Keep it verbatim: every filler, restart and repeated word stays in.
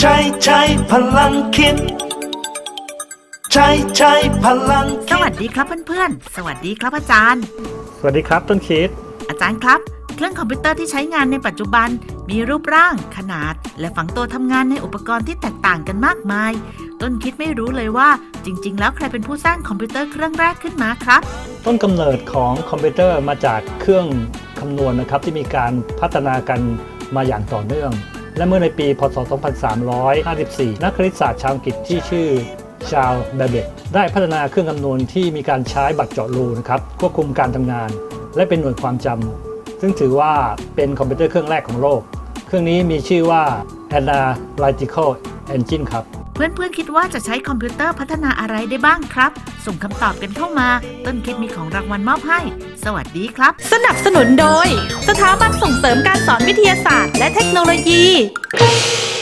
ช้ใช้พลังคิดใช้ใช้พลังสวัสดีครับเพื่อนๆสวัสดีครับอาจารย์สวัสดีครับต้นคิดอาจารย์ครับเครื่องคอมพิวเตอร์ที่ใช้งานในปัจจุบันมีรูปร่างขนาดและฝังตัวทำงานในอุปกรณ์ที่แตกต่างกันมากมายต้นคิดไม่รู้เลยว่าจริงๆแล้วใครเป็นผู้สร้างคอมพิวเตอร์เครื่องแรกขึ้นมาครับต้นกำเนิดของคอมพิวเตอร์มาจากเครื่องคำนวณนะครับที่มีการพัฒนากันมาอย่างต่อเนื่องและเมื่อในปี พ.ศ. สองพันสามร้อยห้าสิบสี่ นักคณิตศาสตร์ชาวอังกฤษที่ชื่อชาร์ลส์ แบเบจได้พัฒนาเครื่องคำนวณที่มีการใช้บัตรเจาะรูนะครับควบคุมการทำงานและเป็นหน่วยความจำซึ่งถือว่าเป็นคอมพิวเตอร์เครื่องแรกของโลกเครื่องนี้มีชื่อว่า Analytical Engine ครับเพื่อนๆคิดว่าจะใช้คอมพิวเตอร์พัฒนาอะไรได้บ้างครับส่งคำตอบกันเข้ามาต้นคิดมีของรางวัลมอบให้สวัสดีครับสนับสนุนโดยสถาบันส่งเสริมการสอนวิทยาศาสตร์และเทคโนโลยี